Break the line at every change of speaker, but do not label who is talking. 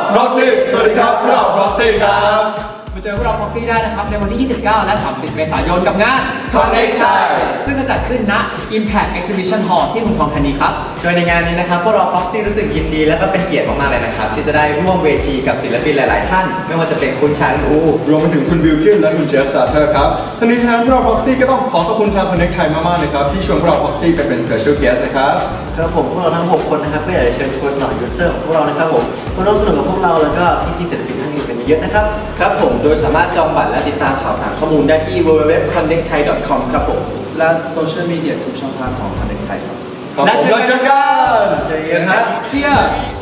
Proxy สวัสดีครับพวกเรา Proxy ครับ
มาเจอพวกเรา Proxy ได้นะครับในวันที่ 29 และ 30 เมษายนกับงาน
Connect Thai
ซึ่งจะจัดขึ้นณ Impact Exhibition Hall ที่เมืองทองธานีครับ
โดยในงานนี้นะครับพวกเรา Proxy รู้สึกยินดีและก็เป็นเกียรติมากๆเลยนะครับที่จะได้ร่วมเวทีกับศิลปินหลายๆท่านไม่ว่าจะเป็นคุณชาอู
รวมไปถึงคุณบิลกินและคุณเจฟซาเทอร์ครับทั้งนี้ทั้งนั้นพวกเรา Proxy ก็ต้องขอขอบคุณทาง Connect Thai มากๆนะครับที่ชวนพวกเรา Proxy ไปเป็น Special Guest นะครับ
ครับผมพวกเราทั้ง 6 คนนะครับก็อยากจะเชิญชวนเหล่ายูเซอร์ของพวกเรานะครับผมมาร่วมสนุกกับพวกเราแล้วก็พี่ๆศิลปินท่านอื่นกันเยอะนะครับครับผมโดยสามารถจองบัตรและติดตามข่าวสารข้อมูลได้ที่ www.connectthai.com ครับผมและโซเชียลมีเดียทุกช่องทางของ Connect Thai ครับ
แล้วเจอกัน
เจอกันครับ
Cheers